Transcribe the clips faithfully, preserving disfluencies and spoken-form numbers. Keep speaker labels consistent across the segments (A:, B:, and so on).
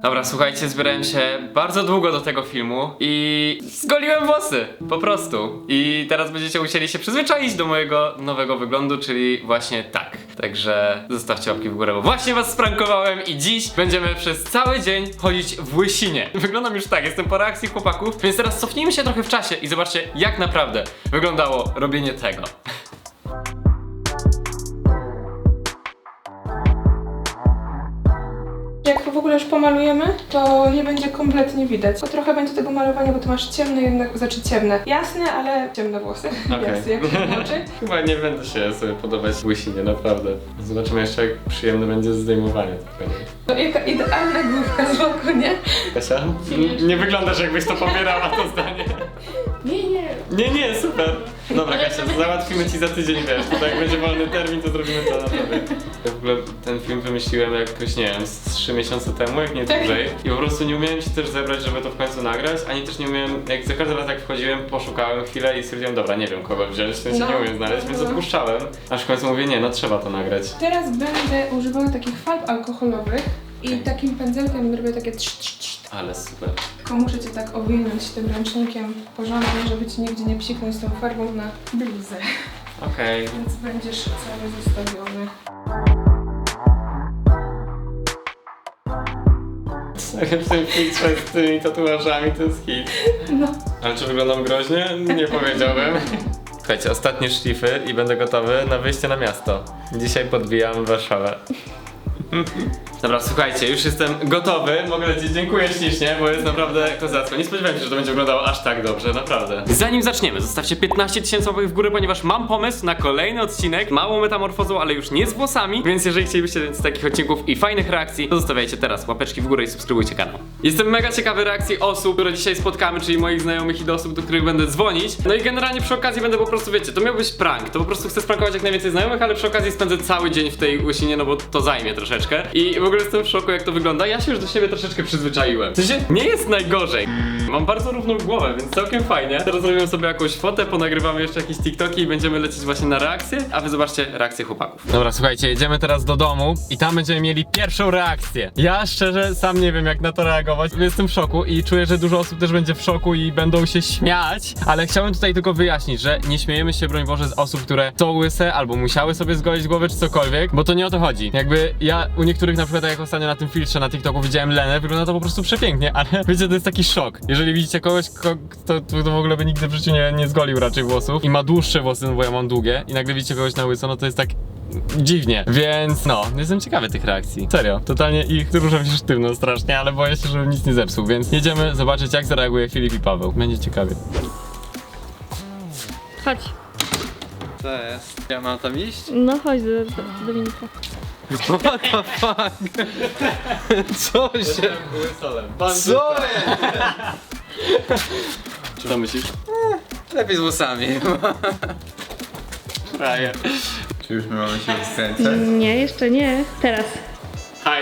A: Dobra, słuchajcie, zbierałem się bardzo długo do tego filmu i zgoliłem włosy, po prostu. I teraz będziecie musieli się przyzwyczaić do mojego nowego wyglądu, czyli właśnie tak. Także zostawcie łapki w górę, bo właśnie was sprankowałem i dziś będziemy przez cały dzień chodzić w łysinie. Wyglądam już tak, jestem po reakcji chłopaków, więc teraz cofnijmy się trochę w czasie i zobaczcie, jak naprawdę wyglądało robienie tego.
B: Jak w ogóle już pomalujemy, to nie będzie kompletnie widać. Bo trochę będzie tego malowania, bo ty masz ciemne jednak, znaczy ciemne. Jasne, ale ciemne włosy.
A: Okej.
B: Jasne, jak się oczy.
A: Chyba nie będę się sobie podobać łysinie, naprawdę. Zobaczymy jeszcze, jak przyjemne będzie zdejmowanie tego.
B: To jaka idealna główka z boku, nie?
A: Kasia? N- Nie wyglądasz, jakbyś to pobierała, to zdanie.
B: Nie, nie.
A: Nie, nie, super. Dobra, Kasia, to załatwimy ci za tydzień, wiesz, tutaj jak będzie wolny termin, to zrobimy to naprawdę. Ja w ogóle ten film wymyśliłem jakoś, nie wiem, z trzy miesiące temu, jak nie dłużej. I po prostu nie umiałem się też zebrać, żeby to w końcu nagrać, ani też nie umiałem, jak za każdym razem jak wchodziłem, poszukałem chwilę i stwierdziłem, dobra, nie wiem kogo wziąć, w sensie
B: No.
A: nie umiem znaleźć, więc odpuszczałem. Aż w końcu mówię, nie, no trzeba to nagrać.
B: Teraz będę używała takich farb alkoholowych i takim pędzelkiem robię takie trz, trz, trz.
A: Ale super.
B: Tylko muszę cię tak owinąć tym ręcznikiem porządnie, żeby ci nigdzie nie psiknąć tą farbą na bluzę.
A: Okej.
B: Więc będziesz cały zostawiony.
A: W tym filtrze z tymi tatuażami to jest hit.
B: No.
A: Ale czy wyglądam groźnie? Nie powiedziałbym. Słuchajcie, ostatnie szlify i będę gotowy na wyjście na miasto. Dzisiaj podbijam Warszawę. Dobra, słuchajcie, już jestem gotowy. Mogę lecieć, dziękuję ślicznie, bo jest naprawdę kozacko. Nie spodziewałem się, że to będzie wyglądało aż tak dobrze, naprawdę. Zanim zaczniemy, zostawcie piętnaście tysięcy łapek w górę, ponieważ mam pomysł na kolejny odcinek. Małą metamorfozą, ale już nie z włosami. Więc jeżeli chcielibyście z takich odcinków i fajnych reakcji, to zostawiajcie teraz łapeczki w górę i subskrybujcie kanał. Jestem mega ciekawy reakcji osób, które dzisiaj spotkamy, czyli moich znajomych i do osób, do których będę dzwonić. No i generalnie przy okazji będę po prostu, wiecie, to miał być prank. To po prostu chcę sprankować jak najwięcej znajomych, ale przy okazji spędzę cały dzień w tej łysinie, no bo to zajmie troszeczkę. I w ogóle jestem w szoku, jak to wygląda. Ja się już do siebie troszeczkę przyzwyczaiłem. W sensie nie jest najgorzej. Mam bardzo równą głowę, więc całkiem fajnie. Teraz zrobimy sobie jakąś fotę, ponagrywamy jeszcze jakieś TikToki i będziemy lecieć właśnie na reakcję, a wy zobaczcie reakcję chłopaków. Dobra, słuchajcie, jedziemy teraz do domu i tam będziemy mieli pierwszą reakcję. Ja szczerze sam nie wiem, jak na to reagować. Jestem w szoku i czuję, że dużo osób też będzie w szoku i będą się śmiać, ale chciałem tutaj tylko wyjaśnić, że nie śmiejemy się, broń Boże, z osób, które są łyse albo musiały sobie zgolić głowę czy cokolwiek, bo to nie o to chodzi. Jakby ja u niektórych, na przykład jak ostatnio na tym filtrze na TikToku widziałem Lenę, wygląda to po prostu przepięknie, ale wiecie, to jest taki szok. Jeżeli widzicie kogoś, kto, kto, kto w ogóle by nigdy w życiu nie, nie zgolił raczej włosów i ma dłuższe włosy, no bo ja mam długie, i nagle widzicie kogoś na łyso, no to jest tak dziwnie, więc no, jestem ciekawy tych reakcji. Serio, totalnie ich ruszam się sztywno strasznie, ale boję się, żebym nic nie zepsuł, więc jedziemy zobaczyć, jak zareaguje Filip i Paweł. Będzie ciekawie.
C: Chodź.
D: Co jest? Ja mam tam iść?
C: No chodź do, do Dominika.
D: What the fuck? Co się... Co jest?
A: Co myślisz?
D: Lepiej z włosami.
A: Frajer.
E: Czy już my mamy się skręcać?
C: Nie, jeszcze nie. Teraz.
A: Haj.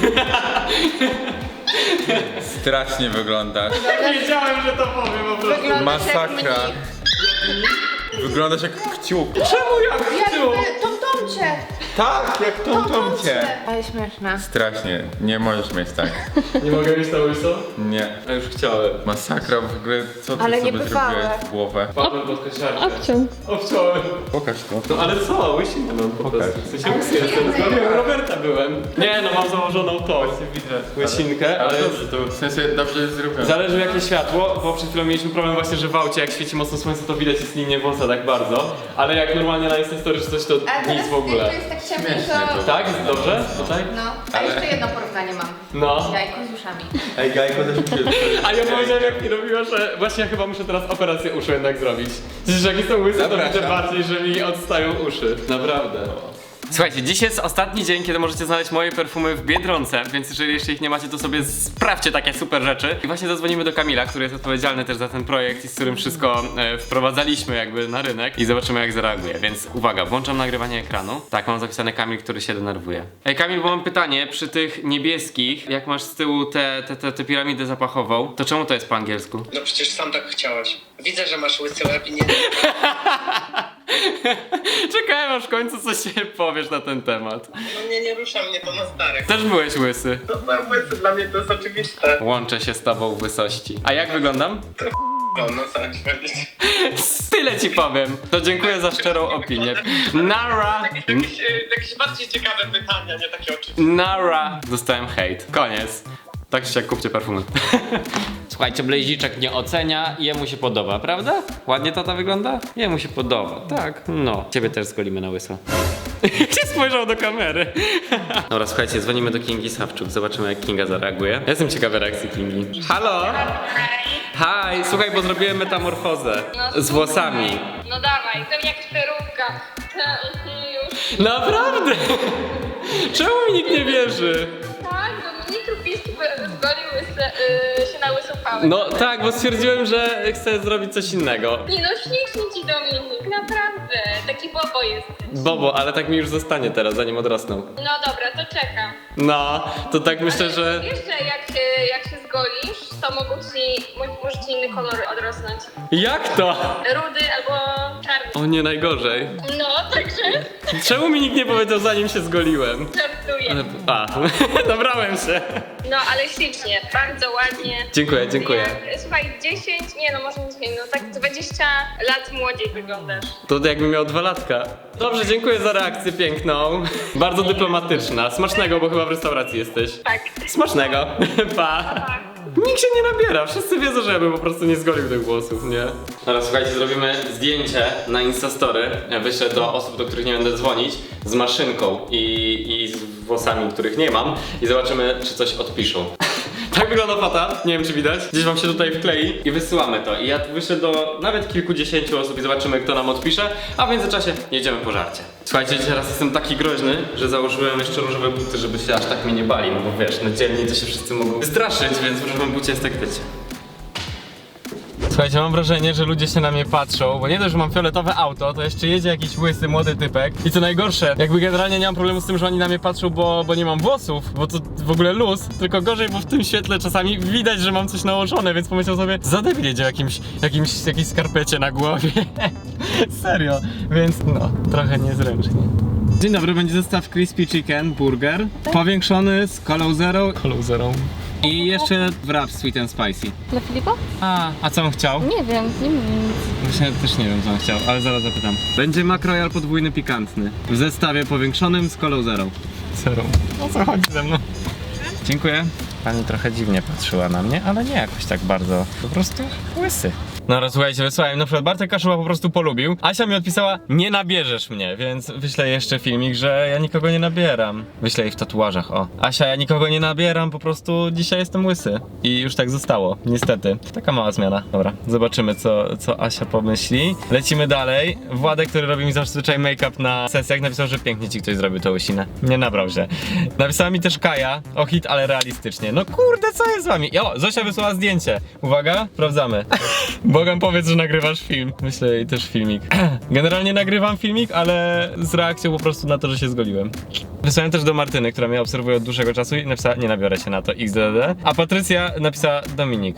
E: Strasznie wyglądasz.
A: Wiedziałem, że to powiem po prostu.
E: Masakra. Wyglądasz jak kciuk.
A: Czemu ja chcę?
F: Tom Tomcie!
E: Tak, jak tą tomcie.
F: Ale śmieszne.
E: Strasznie. Nie możesz mieć tak.
A: Nie mogę mieć na łyso?
E: Nie.
A: A już chciałem.
E: Masakra w ogóle. Co ty
F: Ale
E: sobie
F: niebywałe.
E: zrobiłeś w głowę?
A: Paweł pod kosiarkę.
C: Obciął.
A: Obciąłem.
E: Pokaż to.
A: No ale co? Łysinę mam po
E: Pokaż.
A: prostu. W sensie łysy jestem. Zgodnie u Roberta byłem. Nie no, mam założoną tą łysinkę, ale...
E: to w sensie dobrze jest zrobione.
A: Zależy jakie światło, bo przed chwilą mieliśmy problem właśnie, że w aucie jak świeci mocno słońce, to widać jest linię włosa tak bardzo. Ale jak normalnie na Instastory czy coś, to nic w ogóle.
F: To jest tak ciemno,
E: Śmiesznie
F: to...
E: to.
A: Tak? Jest dobrze? Tutaj?
F: No. A jeszcze jedno porównanie mam.
A: No.
F: Jajko z uszami.
E: Ej, Gajko też mi się...
A: A ja powiedziałem jak mi robiła, że właśnie ja chyba muszę teraz operację uszu jednak zrobić. Przecież jak jestem łysy, to
E: Zapraszam.
A: widzę bardziej, że mi odstają uszy. Naprawdę. Słuchajcie, dziś jest ostatni dzień, kiedy możecie znaleźć moje perfumy w Biedronce, więc jeżeli jeszcze ich nie macie, to sobie sprawdźcie takie super rzeczy. I właśnie zadzwonimy do Kamila, który jest odpowiedzialny też za ten projekt i z którym wszystko e, wprowadzaliśmy jakby na rynek i zobaczymy jak zareaguje. Więc uwaga, włączam nagrywanie ekranu. Tak, mam zapisane Kamil, który się denerwuje. Ej Kamil, bo mam pytanie, przy tych niebieskich, jak masz z tyłu tę te, te, te piramidę zapachową, to czemu to jest po angielsku?
G: No przecież sam tak chciałeś. Widzę, że masz łysy łeb i nie...
A: Czekałem aż w końcu coś się powiesz na ten temat.
G: No nie, nie rusza mnie to na starek.
A: Też byłeś łysy.
G: To byłem łysy, dla mnie to jest oczywiste.
A: Łączę się z tobą w wysości. A jak wyglądam?
G: No, no sam ci powiedzieć.
A: Tyle ci powiem. To dziękuję za szczerą opinię. Nara!
G: Jakieś, e, jakieś bardziej ciekawe pytania, nie takie oczywiste.
A: Nara! Dostałem hejt. Koniec. Tak się jak kupcie perfumy. Słuchajcie, Blaziczek nie ocenia, jemu się podoba, prawda? Ładnie tata wygląda? Jemu się podoba, tak. No. Ciebie też zgolimy na łyso. Się spojrzał do kamery. Dobra, słuchajcie, dzwonimy do Kingi Sawczuk. Zobaczymy, jak Kinga zareaguje. Ja jestem ciekawy reakcji Kingi. Halo? Hi, słuchaj, bo zrobiłem metamorfozę z włosami.
H: No dawaj, to jakaś peruka. Już.
A: Naprawdę? Czemu mi nikt nie wierzy?
H: Tak, bo mnie Krupiński zgolił łyse, yy, się na łysą pałę.
A: No tak, bo stwierdziłem, że chcę zrobić coś innego.
H: Nie no, ślicznie ci Dominik, naprawdę. Taki bobo jest.
A: Bobo, ale tak mi już zostanie teraz, zanim odrosną.
H: No dobra, to czekam.
A: No, to tak myślę, że...
H: Wiesz, że jak się, jak się zgolisz, to mogą ci, mo- może ci inny kolor odrosnąć.
A: Jak to?
H: Rudy albo czarny.
A: O nie, najgorzej.
H: No, także
A: Czemu mi nikt nie powiedział, zanim się zgoliłem?
H: żartuję.
A: A, dobrałem się.
H: No, ale ślicznie, bardzo ładnie.
A: Dziękuję, dziękuję.
H: Jak, słuchaj, dziesięć, nie no, może nie dziesięć, no tak dwadzieścia lat młodziej wyglądasz.
A: To jakbym miał dwa latka. Dobrze, dziękuję za reakcję piękną. Bardzo dyplomatyczna. Smacznego, bo chyba w restauracji jesteś.
H: Tak.
A: Smacznego. Pa. Nikt się nie nabiera, wszyscy wiedzą, że ja bym po prostu nie zgolił tych włosów, nie? Teraz słuchajcie, zrobimy zdjęcie na Instastory. Ja wyślę do osób, do których nie będę dzwonić, z maszynką i, i z włosami, których nie mam i zobaczymy, czy coś odpiszą. Tak wygląda fata, nie wiem czy widać. Gdzieś wam się tutaj wklei i wysyłamy to. I ja wyślę do nawet kilkudziesięciu osób i zobaczymy, kto nam odpisze, a w międzyczasie jedziemy po żarcie. Słuchajcie, teraz jestem taki groźny, że założyłem jeszcze różowe buty, żeby się aż tak mnie nie bali, no bo wiesz, na dzielni to się wszyscy mogą wystraszyć, więc w różowym bucie jest tak wiecie. Słuchajcie, mam wrażenie, że ludzie się na mnie patrzą, bo nie dość, że mam fioletowe auto, to jeszcze jedzie jakiś łysy, młody typek. I co najgorsze, jakby generalnie nie mam problemu z tym, że oni na mnie patrzą, bo, bo nie mam włosów, bo to w ogóle luz, tylko gorzej, bo w tym świetle czasami widać, że mam coś nałożone, więc pomyślał sobie, za debil jedzie jakimś, jakimś, jakiejś skarpecie na głowie. Serio, więc no, trochę niezręcznie. Dzień dobry, będzie zestaw Crispy Chicken Burger, powiększony z Colą Zero. Colą Zero. I jeszcze wrap Sweet and Spicy.
C: Dla Filipa?
A: A, a co on chciał?
C: Nie wiem, nie wiem nic.
A: Właśnie też nie wiem, co on chciał, ale zaraz zapytam. Będzie McRoyal podwójny pikantny. W zestawie powiększonym z Colą Zero. Zero. O co chodzi ze mną? Dziękuję. Pani trochę dziwnie patrzyła na mnie, ale nie jakoś tak bardzo. Po prostu łysy. No raz słuchajcie, wysłałem, na przykład Bartek Kaszuba po prostu polubił. Asia mi odpisała, nie nabierzesz mnie, więc wyślę jeszcze filmik, że ja nikogo nie nabieram. Wyślę jej w tatuażach, o. Asia, ja nikogo nie nabieram, po prostu dzisiaj jestem łysy. I już tak zostało, niestety. Taka mała zmiana. Dobra, zobaczymy co, co Asia pomyśli. Lecimy dalej. Władek, który robi mi zazwyczaj make-up na sesjach, napisał, że pięknie ci ktoś zrobił tę łysinę. Nie nabrał się. Napisała mi też Kaja, o hit, ale realistycznie. No kurde, co jest z wami? O, Zosia wysłała zdjęcie. Uwaga, sprawdzamy. Bogam, powiedz, że nagrywasz film. Myślę i też filmik. Generalnie nagrywam filmik, ale z reakcją po prostu na to, że się zgoliłem. Wysłałem też do Martyny, która mnie obserwuje od dłuższego czasu i napisała, nie nabiorę się na to, X D D. A Patrycja napisała Dominik.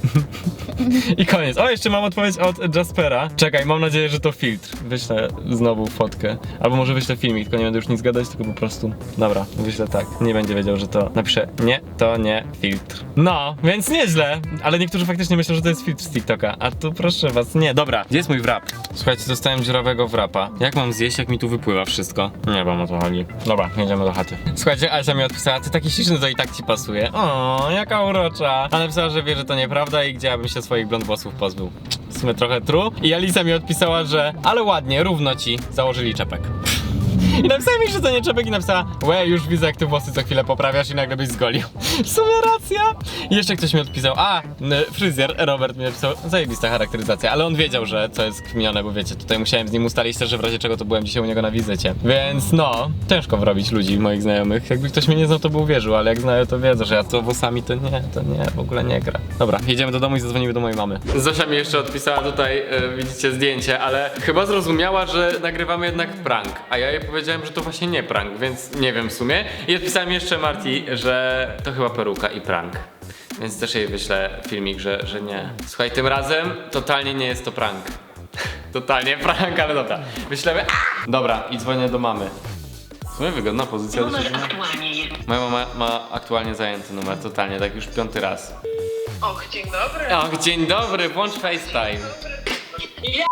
A: I koniec. O, jeszcze mam odpowiedź od Jaspera. Czekaj, mam nadzieję, że to filtr. Wyślę znowu fotkę. Albo może wyślę filmik, tylko nie będę już nic gadać, tylko po prostu. Dobra, wyślę tak. Nie będzie wiedział, że to napiszę. Nie, to nie filtr. No, więc nieźle. Ale niektórzy faktycznie myślą, że to jest filtr z TikToka. A tu proszę was, nie. Dobra, gdzie jest mój wrap? Słuchajcie, dostałem dziurawego wrapa. Jak mam zjeść, jak mi tu wypływa wszystko? Nie wiem, o co chodzi. Dobra, jedziemy do chaty. Słuchajcie, Asia mi odpisała, ty taki śliczny, to i tak ci pasuje. O, jaka urocza. A napisała, że wie, że to nieprawda i gdzie ja bym się swoich blond włosów pozbył. W sumie trochę true. I Alisa mi odpisała, że ale ładnie, równo ci założyli czepek. I napisała mi, że to nie czepek i napisała, łe, już widzę, jak ty włosy co chwilę poprawiasz i nagle byś zgolił. W sumie racja. I jeszcze ktoś mi odpisał, a, fryzjer Robert mi napisał, zajebista charakteryzacja, ale on wiedział, że co jest kminione, bo wiecie, tutaj musiałem z nim ustalić też, że w razie czego to byłem dzisiaj u niego na wizycie. Więc no, ciężko wrobić ludzi, moich znajomych. Jakby ktoś mnie nie znał, to by uwierzył, ale jak znają, to wiedzą, że ja to włosami to nie, to nie, w ogóle nie gra. Dobra, jedziemy do domu i zadzwonimy do mojej mamy. Zosia mi jeszcze odpisała tutaj, yy, widzicie zdjęcie, ale chyba zrozumiała, że nagrywamy jednak prank, a ja jej powiedziałem, że to właśnie nie prank, więc nie wiem w sumie. I odpisałem jeszcze Marti, że to chyba peruka i prank. Więc też jej wyślę filmik, że, że nie. Słuchaj, tym razem totalnie nie jest to prank. Totalnie prank, ale dobra. Myślemy. Dobra, i dzwonię do mamy. W sumie wygodna pozycja do siedzenia. Moja mama ma aktualnie zajęty numer, totalnie, tak już piąty raz.
H: Och, dzień dobry.
A: Och, dzień dobry, włącz FaceTime.
H: Ja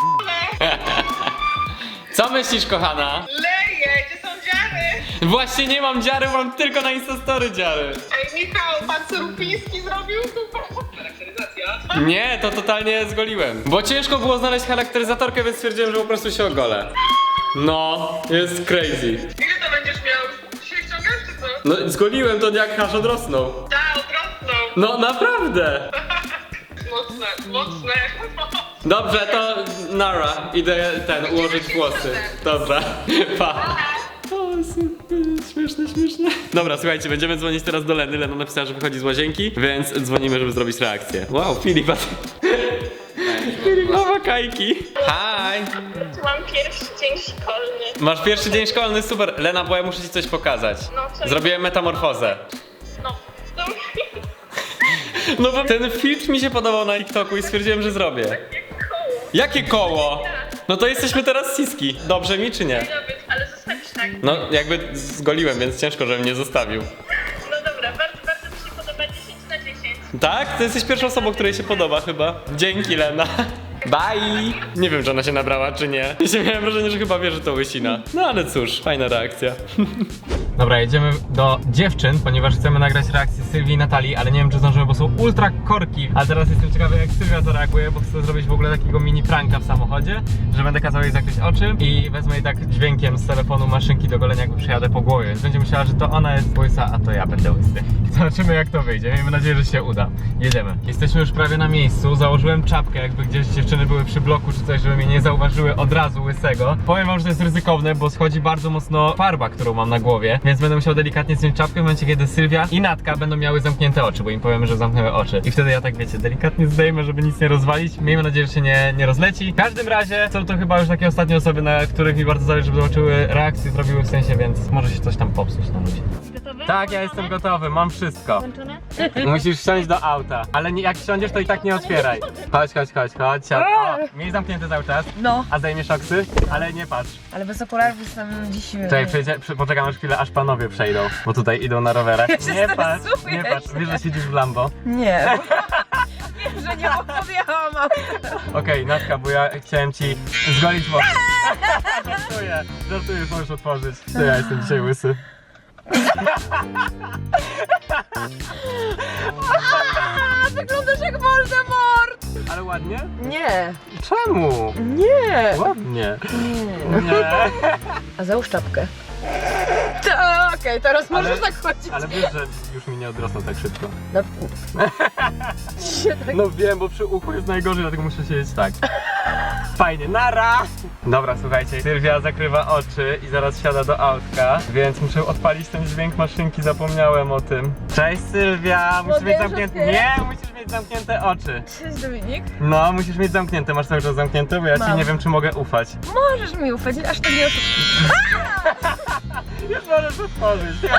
A: Co myślisz, kochana?
H: leję, gdzie są dziary?
A: Właśnie nie mam dziary, mam tylko na Instastory dziary.
H: Ej, Michał, pan co Rupiński zrobił? Super. Charakteryzacja.
A: Nie, to totalnie zgoliłem. Bo ciężko było znaleźć charakteryzatorkę, więc stwierdziłem, że po prostu się ogolę. No, jest crazy.
H: Ile to będziesz miał? Dzisiaj ściągasz czy co?
A: No, zgoliłem to jak hasz odrosnął.
H: Ta, odrosną.
A: No, naprawdę.
H: Mocne, mocne.
A: Dobrze, to nara, idę ten, ułożyć włosy. Dobra, pa. O, super, śmieszne, śmieszne. Dobra, słuchajcie, będziemy dzwonić teraz do Leny. Lena napisała, że wychodzi z łazienki, więc dzwonimy, żeby zrobić reakcję. Wow, Filip, a ty... Filip ma wakajki. Hi.
H: Mam pierwszy dzień szkolny.
A: Masz pierwszy dzień szkolny, super. Lena, bo ja muszę ci coś pokazać.
H: No, co?
A: Zrobiłem metamorfozę.
H: No, to
A: No bo ten filtr mi się podobał na TikToku i stwierdziłem, że zrobię.
H: koło.
A: Jakie koło? No to jesteśmy teraz siski. Dobrze mi czy nie?
H: Być, ale zostawisz tak.
A: No jakby zgoliłem, więc ciężko, żebym nie zostawił.
H: No dobra, bardzo, bardzo mi się podoba dziesięć na dziesięć.
A: Tak? Ty jesteś pierwszą osobą, której się podoba chyba. Dzięki, Lena. Bye! Nie wiem, czy ona się nabrała, czy nie. Ja miałem wrażenie, że chyba wie, że to łysina. No ale cóż, fajna reakcja. Dobra, jedziemy do dziewczyn, ponieważ chcemy nagrać reakcję Sylwii i Natalii, ale nie wiem, czy zdążymy, bo są ultra korki. A teraz jestem ciekawy, jak Sylwia zareaguje, bo chcę zrobić w ogóle takiego mini pranka w samochodzie, że będę kazał jej zakryć oczy i wezmę jej tak dźwiękiem z telefonu maszynki do golenia, jakby przejadę po głowie. Więc będzie myślała, że to ona jest łysa, a to ja będę łysy. Zobaczymy, jak to wyjdzie. Miejmy nadzieję, że się uda. Jedziemy. Jesteśmy już prawie na miejscu. Założyłem czapkę, jakby gdzieś dziewczyny były przy bloku czy coś, żeby mnie nie zauważyły od razu łysego. Powiem wam, że to jest ryzykowne, bo schodzi bardzo mocno farba, którą mam na głowie, więc będę musiał delikatnie zdjąć czapkę w momencie, kiedy Sylwia i Natka będą miały zamknięte oczy, bo im powiemy, że zamknęły oczy. I wtedy ja tak, wiecie, delikatnie zdejmę, żeby nic nie rozwalić. Miejmy nadzieję, że się nie, nie rozleci. W każdym razie są to chyba już takie ostatnie osoby, na których mi bardzo zależy, żeby zobaczyły reakcję, zrobiły w sensie, więc może się coś tam popsuć na ludzi.
C: Gotowe?
A: Tak, ja jestem gotowy, mam wszystko.
C: Włączone?
A: Musisz wsiąść do auta, ale nie, jak wsiądziesz, to i tak nie otwieraj. Chodź, chodź, chodź, chodź. siad- O, miej zamknięte cały czas.
I: No,
A: A zdejmiesz oksy? Ale nie patrz.
I: ale bez okularów jestem dziś...
A: Czekaj, przyjdzie, przy, poczekam aż chwilę, aż panowie przejdą, bo tutaj idą na rowerach.
I: Ja się
A: Nie patrz,
I: stresuję
A: nie patrz,
I: się.
A: wiesz, że siedzisz w Lambo.
I: Nie. Wiem, że nie podjechałam.
A: Okej, Natka, bo ja chciałem ci zgolić włosy. Żartuję, żartuję, już możesz otworzyć. To ja jestem dzisiaj łysy.
I: Wyglądasz jak Voldemort.
A: Ale ładnie?
I: Nie.
A: Czemu?
I: Nie.
A: Ładnie.
I: Nie.
A: Nie.
I: A załóż czapkę. To, Okej, teraz możesz tak chodzić.
A: Ale wiesz, że już mi nie odrosną tak szybko.
I: No. Się tak...
A: No wiem, bo przy uchu jest najgorzej, dlatego muszę siedzieć tak. Fajnie, nara! Dobra, słuchajcie, Sylwia zakrywa oczy i zaraz siada do autka, więc muszę odpalić ten dźwięk maszynki, zapomniałem o tym. Cześć Sylwia, musisz
I: Mogę
A: mieć
I: już
A: zamknięte...
I: otwierać?
A: Nie, musisz mieć zamknięte oczy.
I: Cześć Dominik.
A: No, musisz mieć zamknięte, masz cały czas zamknięte, bo ja ci
I: Mam.
A: nie wiem, czy mogę ufać.
I: Możesz mi ufać, aż tak nie oszukuj.
A: Już możesz otworzyć. Ja,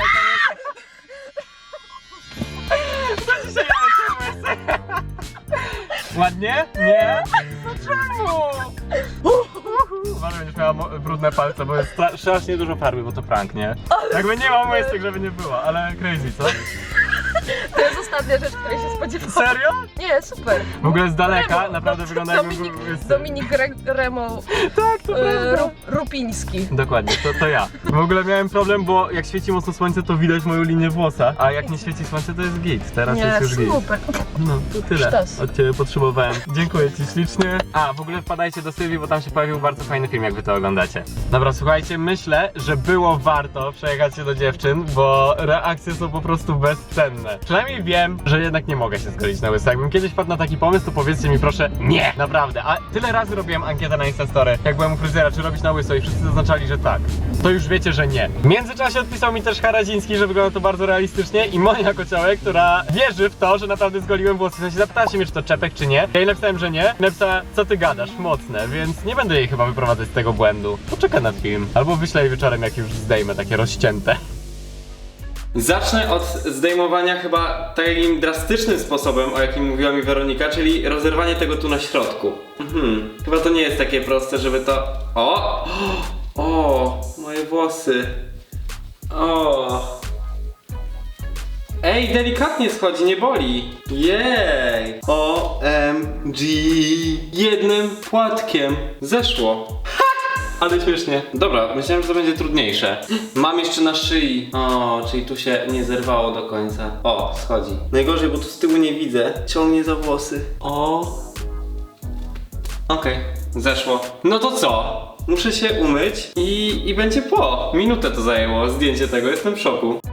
A: Co ci się dzieje? Ładnie? Nie? No czemu? Uważaj, będziesz miała mo- brudne palce, bo jest stra- strasznie dużo farby, bo to prank, nie? Jakby nie ma łysek, żeby nie było, ale crazy, co?
I: To jest ostatnia rzecz, której się spodziewałam.
A: Serio?
I: Nie, super.
A: W ogóle z daleka
I: Remo.
A: naprawdę wygląda jakby
I: Dominik,
A: był łysy.
I: Dominik Re- Remo
A: Tak, to
I: e,
A: prawda.
I: Ru, Rupiński.
A: Dokładnie, to, to ja. W ogóle miałem problem, bo jak świeci mocno słońce, to widać moją linię włosa, a jak nie świeci słońce, to jest git. Teraz
I: Nie,
A: jest już git.
I: super.
A: No, to tyle.
I: Sztos.
A: Od ciebie potrzebowałem. Dziękuję ci ślicznie. A, w ogóle wpadajcie do Sylwii, bo tam się pojawił bardzo fajny film, jak wy to oglądacie. Dobra, słuchajcie, myślę, że było warto przejechać się do dziewczyn, bo reakcje są po prostu bezcenne. Przynajmniej wiem, że jednak nie mogę się zgodzić na łyso. Jakbym kiedyś wpadł na taki pomysł, to powiedzcie mi proszę nie, naprawdę. A tyle razy robiłem ankietę na Instastory, jak byłem u fryzjera, czy robić na łyso i wszyscy zaznaczali, że tak. To już wiecie, że nie. W międzyczasie odpisał mi też Haradziński, że wygląda to bardzo realistycznie i Monia Kociołek, która wierzy w to, że naprawdę zgoliłem włosy. W sensie zapytała się mnie, czy to czepek, czy nie. Ja jej napisałem, że nie. Napisała, co ty gadasz, mocne, więc nie będę jej chyba wyprowadzać z tego błędu. Poczekaj na film. Albo wyślę jej wieczorem, jak już zdejmę takie rozcięte. Zacznę od zdejmowania chyba takim drastycznym sposobem, o jakim mówiła mi Weronika, czyli rozerwanie tego tu na środku. Mhm. Chyba to nie jest takie proste, żeby to... O! O! Moje włosy. O! Ej, delikatnie schodzi, nie boli. Jej! O M G! Jednym płatkiem zeszło. Ha! Ale śmiesznie. Dobra, myślałem, że to będzie trudniejsze. Mam jeszcze na szyi. O, czyli tu się nie zerwało do końca. O, schodzi. Najgorzej, bo tu z tyłu nie widzę. Ciągnie za włosy. O. Okej, zeszło. No to co? Muszę się umyć i, i będzie po. Minutę to zajęło zdjęcie tego, jestem w szoku.